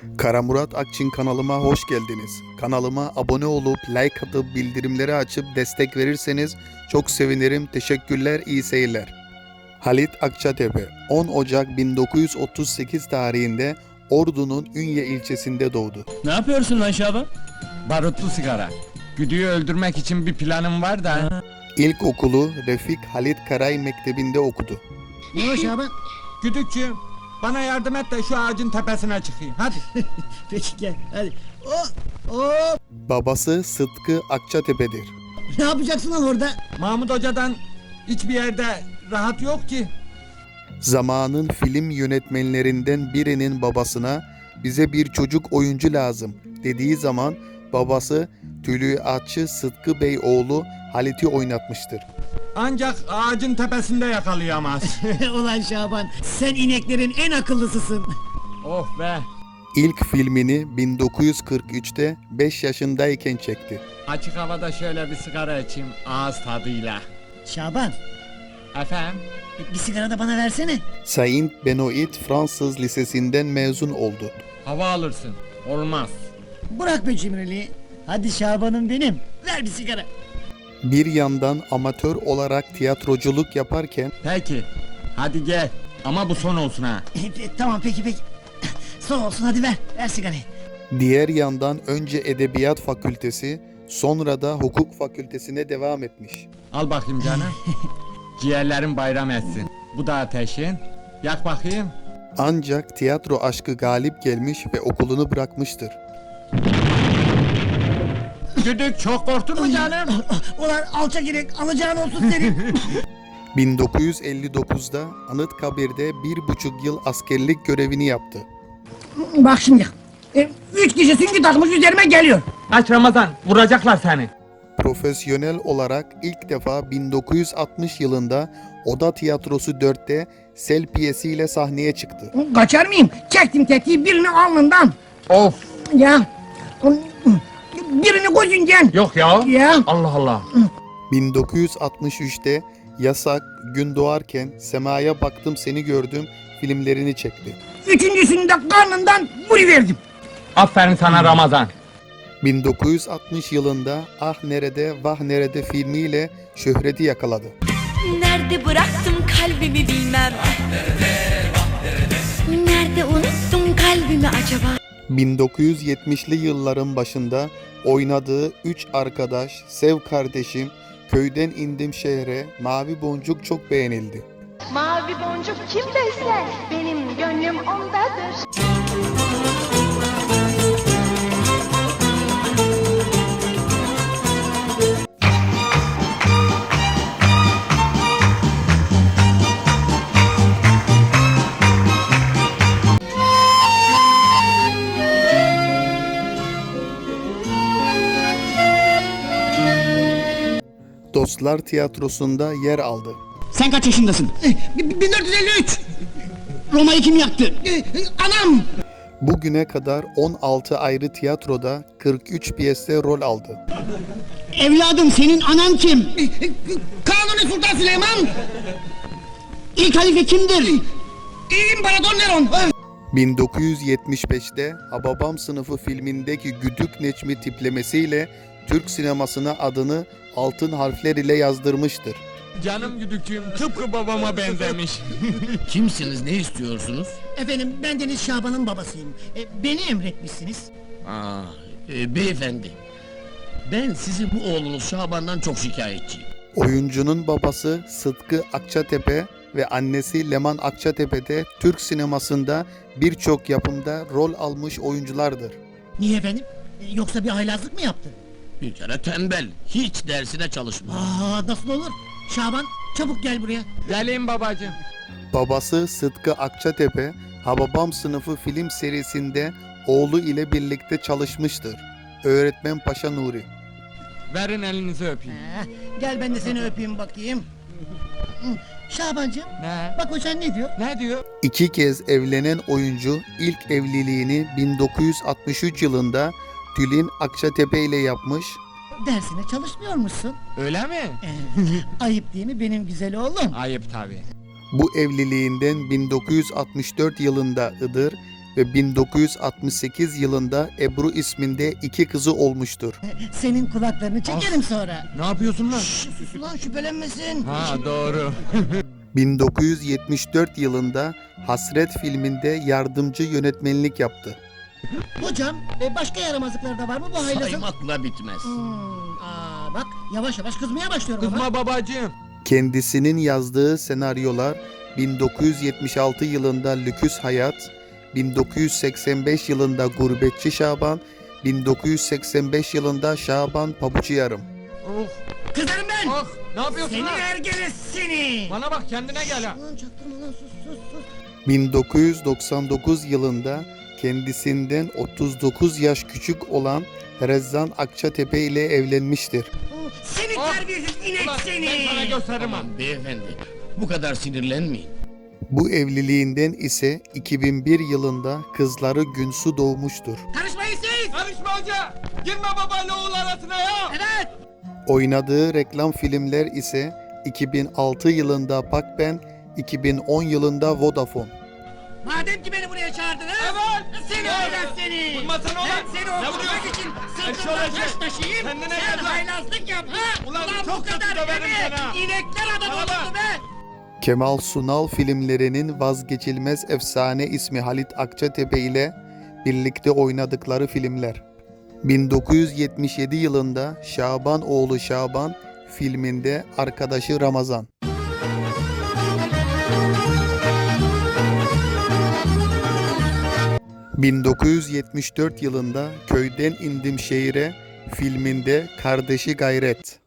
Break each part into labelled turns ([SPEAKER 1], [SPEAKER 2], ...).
[SPEAKER 1] Kara Murat Akçin kanalıma hoş geldiniz. Kanalıma abone olup like atıp bildirimleri açıp destek verirseniz çok sevinirim. Teşekkürler, iyi seyirler. Halit Akçatepe 10 Ocak 1938 tarihinde Ordu'nun Ünye ilçesinde doğdu.
[SPEAKER 2] Ne yapıyorsun lan Şaban?
[SPEAKER 3] Barutlu sigara. Güdüğü öldürmek için bir planım var da.
[SPEAKER 1] İlkokulu Refik Halit Karay Mektebi'nde okudu.
[SPEAKER 4] Ne o Şaban?
[SPEAKER 3] Güdükçüğüm, bana yardım et de şu ağacın tepesine çıkayım. Hadi.
[SPEAKER 4] Peki gel hadi. Oh.
[SPEAKER 1] Babası Sıtkı Akçatepe'dir.
[SPEAKER 4] Ne yapacaksın lan orada?
[SPEAKER 3] Mahmut Hoca'dan hiçbir yerde rahat yok ki.
[SPEAKER 1] Zamanın film yönetmenlerinden birinin babasına bize bir çocuk oyuncu lazım dediği zaman babası Tülüatçı Sıtkı Bey oğlu Halit'i oynatmıştır.
[SPEAKER 3] Ancak ağacın tepesinde yakalayamaz.
[SPEAKER 4] Ulan Şaban, sen ineklerin en akıllısısın.
[SPEAKER 3] Oh be.
[SPEAKER 1] İlk filmini 1943'te 5 yaşındayken çekti.
[SPEAKER 3] Açık havada şöyle bir sigara içeyim ağız tadıyla.
[SPEAKER 4] Şaban,
[SPEAKER 3] Efendim?
[SPEAKER 4] bir sigara da bana versene.
[SPEAKER 1] Saint Benoît Fransız Lisesi'nden mezun oldu.
[SPEAKER 3] Hava alırsın. Olmaz.
[SPEAKER 4] Bırak be cimriliği. Hadi Şaban'ım benim. Ver bir sigara.
[SPEAKER 1] Bir yandan amatör olarak tiyatroculuk yaparken
[SPEAKER 3] Peki. Hadi gel. Ama bu son olsun ha.
[SPEAKER 4] Tamam peki. Son olsun hadi ver. Ver sigarayı.
[SPEAKER 1] diğer yandan önce Edebiyat Fakültesi sonra da Hukuk Fakültesine devam etmiş.
[SPEAKER 3] Al bakayım canım. Ciğerlerin bayram etsin. Bu da ateşin. Yak bakayım.
[SPEAKER 1] Ancak tiyatro aşkı galip gelmiş ve okulunu bırakmıştır.
[SPEAKER 3] Güdük çok korktun mu canım?
[SPEAKER 4] Ulan alçak inek alacağın olsun senin.
[SPEAKER 1] 1959'da Anıtkabir'de 1,5 yıl askerlik görevini yaptı.
[SPEAKER 4] Bak şimdi. 3 kişi süngü takmış üzerime geliyor.
[SPEAKER 3] Aç Ramazan, vuracaklar seni.
[SPEAKER 1] Profesyonel olarak ilk defa 1960 yılında Oda Tiyatrosu 4'te Sel piyesiyle sahneye çıktı.
[SPEAKER 4] Kaçar mıyım? Çektim tetiği birini alnından.
[SPEAKER 3] Of,
[SPEAKER 4] Ya. Birini gözünden.
[SPEAKER 3] yok ya.
[SPEAKER 4] Ya.
[SPEAKER 3] Allah Allah.
[SPEAKER 1] 1963'te Yasak, Gün Doğarken, Semaya Baktım Seni Gördüm filmlerini çekti.
[SPEAKER 4] Üçüncüsünü de karnından vuruverdim.
[SPEAKER 3] Aferin sana Ramazan.
[SPEAKER 1] 1960 yılında Ah Nerede Vah Nerede filmiyle şöhreti yakaladı.
[SPEAKER 5] Nerede bıraktım kalbimi bilmem. Nerede unuttum kalbimi acaba?
[SPEAKER 1] 1970'li yılların başında oynadığı Üç Arkadaş, Sev Kardeşim, Köyden İndim Şehre, Mavi Boncuk çok beğenildi.
[SPEAKER 6] Mavi boncuk kim besler? Benim gönlüm ondadır.
[SPEAKER 1] Dostlar Tiyatrosu'nda yer aldı.
[SPEAKER 4] Sen kaç yaşındasın? 1453. Roma'yı kim yaktı? Anam.
[SPEAKER 1] Bugüne kadar 16 ayrı tiyatroda 43 piyeste rol aldı.
[SPEAKER 4] Evladım senin anan kim? Kanuni Sultan Süleyman. İlk halife kimdir? İmparator Neron.
[SPEAKER 1] 1975'te Hababam Sınıfı filmindeki Güdük Necmi tiplemesiyle Türk sinemasına adını altın harfler ile yazdırmıştır.
[SPEAKER 3] Canım güdükçüğüm tıpkı babama benzemiş.
[SPEAKER 2] Kimsiniz, ne istiyorsunuz?
[SPEAKER 4] Efendim ben Deniz Şaban'ın babasıyım. Beni emretmişsiniz.
[SPEAKER 2] Beyefendi, ben sizin bu oğlunuz Şaban'dan çok şikayetçiyim.
[SPEAKER 1] Oyuncunun babası Sıtkı Akçatepe ve annesi Leman Akçatepe de Türk sinemasında birçok yapımda rol almış oyunculardır.
[SPEAKER 4] Niye efendim? Yoksa bir haylazlık mı yaptı?
[SPEAKER 2] Bir kere tembel, hiç dersine çalışmıyor.
[SPEAKER 4] Nasıl olur? Şaban çabuk gel buraya.
[SPEAKER 3] Geleyim babacığım.
[SPEAKER 1] Babası Sıtkı Akçatepe, Hababam Sınıfı film serisinde oğlu ile birlikte çalışmıştır. Öğretmen Paşa Nuri.
[SPEAKER 3] Verin elinizi öpeyim.
[SPEAKER 4] Gel ben de seni öpeyim bakayım. Şabancığım
[SPEAKER 3] Ne?
[SPEAKER 4] bak hocan ne diyor?
[SPEAKER 3] Ne diyor?
[SPEAKER 1] 2 kez evlenen oyuncu ilk evliliğini 1963 yılında Tülin Akçatepe ile yapmış.
[SPEAKER 4] Dersine çalışmıyormuşsun.
[SPEAKER 3] Öyle mi?
[SPEAKER 4] Ayıp değil mi benim güzel oğlum?
[SPEAKER 3] Ayıp tabii.
[SPEAKER 1] Bu evliliğinden 1964 yılında Iğdır ve 1968 yılında Ebru isminde 2 kızı olmuştur.
[SPEAKER 4] Senin kulaklarını çekerim sonra.
[SPEAKER 3] Ne yapıyorsun lan?
[SPEAKER 4] Sus ulan şüphelenmesin.
[SPEAKER 3] Ha doğru.
[SPEAKER 1] 1974 yılında Hasret filminde yardımcı yönetmenlik yaptı.
[SPEAKER 4] Hocam başka yaramazlıklar da var mı bu haylazın?
[SPEAKER 2] Saymakla bitmez.
[SPEAKER 4] Bak yavaş yavaş kızmaya başlıyorum ama.
[SPEAKER 3] Kızma babacığım.
[SPEAKER 1] Kendisinin yazdığı senaryolar 1976 yılında Lüküs Hayat, 1985 yılında Gurbetçi Şaban, 1985 yılında Şaban Pabucu Yarım.
[SPEAKER 3] Oh,
[SPEAKER 4] Kızarım ben.
[SPEAKER 3] oh. Ne yapıyorsun
[SPEAKER 4] Seni
[SPEAKER 3] lan?
[SPEAKER 4] ergele seni.
[SPEAKER 3] Bana bak kendine gel ha.
[SPEAKER 4] Lan çaktırma lan sus.
[SPEAKER 1] 1999 yılında kendisinden 39 yaş küçük olan Rezzan Akçatepe ile evlenmiştir.
[SPEAKER 4] Seni
[SPEAKER 3] Oh.
[SPEAKER 4] terbiyesiz inek
[SPEAKER 3] Ulan
[SPEAKER 4] seni.
[SPEAKER 3] ben sana gösteririm ha.
[SPEAKER 2] Aman beyefendi, bu kadar sinirlenmeyin.
[SPEAKER 1] Bu evliliğinden ise 2001 yılında kızları Günsu doğmuştur.
[SPEAKER 4] Karışmayın siz.
[SPEAKER 3] Karışma hoca. Girme babayla oğul arasına ya.
[SPEAKER 4] Evet.
[SPEAKER 1] Oynadığı reklam filmler ise 2006 yılında Pakben, 2010 yılında Vodafone.
[SPEAKER 4] Madem ki beni buraya çağırdın ha?
[SPEAKER 3] Evet.
[SPEAKER 4] Seni haylaz seni.
[SPEAKER 3] Vurmasana ulan.
[SPEAKER 4] Ben seni
[SPEAKER 3] Ne
[SPEAKER 4] okutmak
[SPEAKER 3] vuruyorsun?
[SPEAKER 4] için
[SPEAKER 3] Eşşoğlu
[SPEAKER 4] sırtımdan
[SPEAKER 3] eşek.
[SPEAKER 4] taş taşıyayım.
[SPEAKER 3] Kendine
[SPEAKER 4] Sen
[SPEAKER 3] gel lan.
[SPEAKER 4] haylazlık yap ha.
[SPEAKER 3] Ulan
[SPEAKER 4] bu
[SPEAKER 3] çok kötü
[SPEAKER 4] kadar
[SPEAKER 3] döverim
[SPEAKER 4] değil mi?
[SPEAKER 3] seni ha.
[SPEAKER 4] İnekler adam
[SPEAKER 3] Bana bak.
[SPEAKER 4] oldu be.
[SPEAKER 1] Kemal Sunal filmlerinin vazgeçilmez efsane ismi Halit Akçatepe ile birlikte oynadıkları filmler. 1977 yılında Şaban oğlu Şaban filminde arkadaşı Ramazan. ...1974 yılında Köyden İndim Şehire filminde kardeşi Gayret.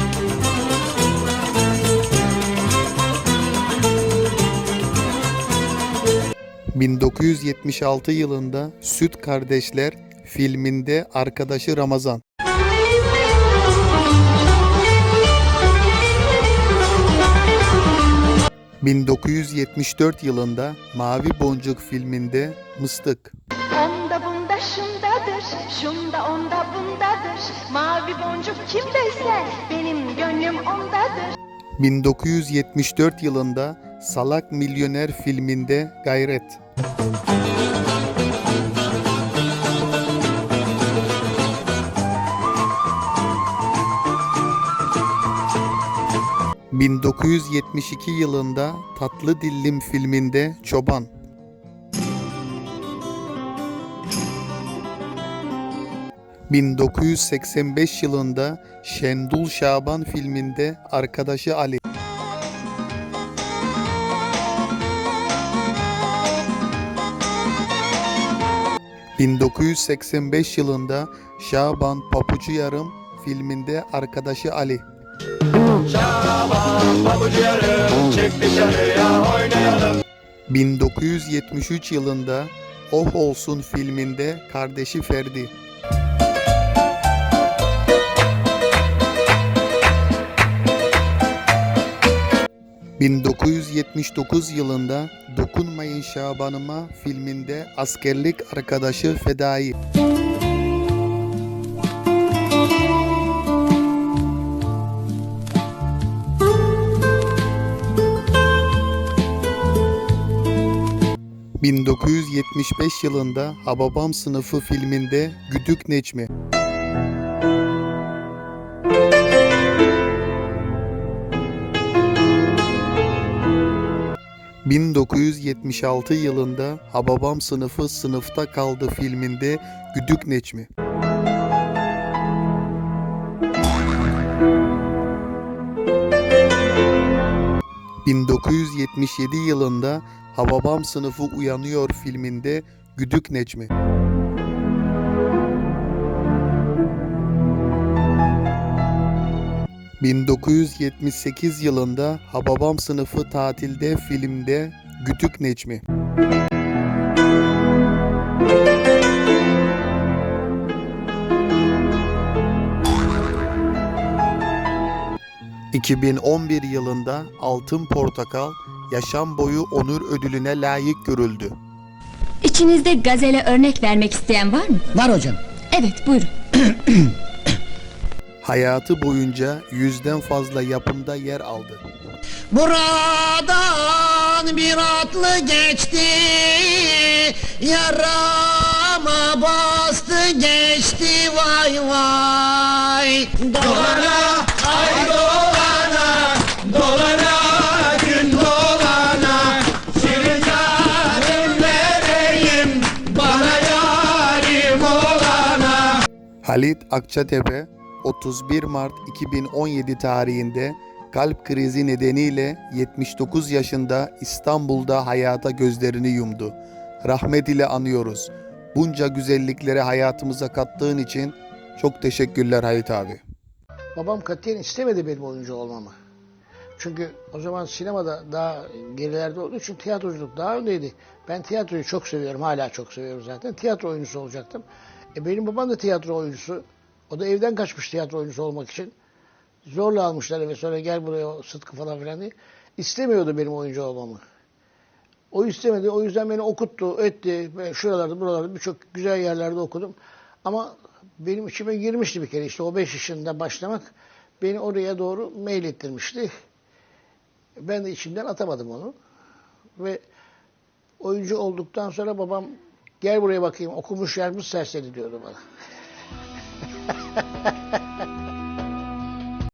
[SPEAKER 1] ...1976 yılında Süt Kardeşler filminde arkadaşı Ramazan. ...1974 yılında Mavi Boncuk filminde Mıstık.
[SPEAKER 6] Onda bunda şundadır, şunda onda bundadır. Mavi boncuk kimdeyse benim gönlüm ondadır.
[SPEAKER 1] 1974 yılında Salak Milyoner filminde Gayret. ...1972 yılında Tatlı Dillim filminde Çoban. ...1985 yılında Şendul Şaban filminde arkadaşı Ali. ...1985 yılında Şaban Pabucu Yarım filminde arkadaşı Ali. 1973 yılında Oh Olsun filminde kardeşi Ferdi. ...1979 yılında Dokunmayın Şabanıma filminde askerlik arkadaşı Fedai. ...1975 yılında Hababam Sınıfı filminde Güdük Necmi. 1976 yılında Hababam Sınıfı Sınıfta Kaldı filminde Güdük Necmi. ...1977 yılında Hababam Sınıfı Uyanıyor filminde Güdük Necmi. ...1978 yılında Hababam Sınıfı Tatilde filmde Güdük Necmi. 2011 yılında Altın Portakal yaşam boyu onur ödülüne layık görüldü.
[SPEAKER 7] İçinizde gazele örnek vermek isteyen var mı?
[SPEAKER 4] Var hocam.
[SPEAKER 7] Evet, buyurun.
[SPEAKER 1] Hayatı boyunca 100'den fazla yapımda yer aldı.
[SPEAKER 4] Buradan bir atlı geçti, yarama bastı geçti vay vay. Dolana ay dolana, dolana gün dolana, senin yarim vereyim bana yarim olana.
[SPEAKER 1] Halit Akçatepe 31 Mart 2017 tarihinde kalp krizi nedeniyle 79 yaşında İstanbul'da hayata gözlerini yumdu. Rahmet ile anıyoruz. Bunca güzellikleri hayatımıza kattığın için çok teşekkürler Halit abi.
[SPEAKER 7] Babam katiyen istemedi benim oyuncu olmamı. Çünkü o zaman sinemada daha gerilerde olduğu için tiyatroculuk daha öndeydi. Ben tiyatroyu çok seviyorum, hala çok seviyorum zaten. Tiyatro oyuncusu olacaktım. Benim babam da tiyatro oyuncusu. O da evden kaçmış tiyatro oyuncusu olmak için. Zorla almışlar eve, sonra gel buraya Sıtkı falan filan diye. İstemiyordu benim oyuncu olmamı. O istemedi, o yüzden beni okuttu, etti. Ben şuralarda, buralarda birçok güzel yerlerde okudum. Ama benim içime girmişti bir kere, işte o 5 yaşında başlamak beni oraya doğru meylettirmişti. Ben de içimden atamadım onu. Ve oyuncu olduktan sonra babam gel buraya bakayım okumuş yazmış serseri diyordu bana.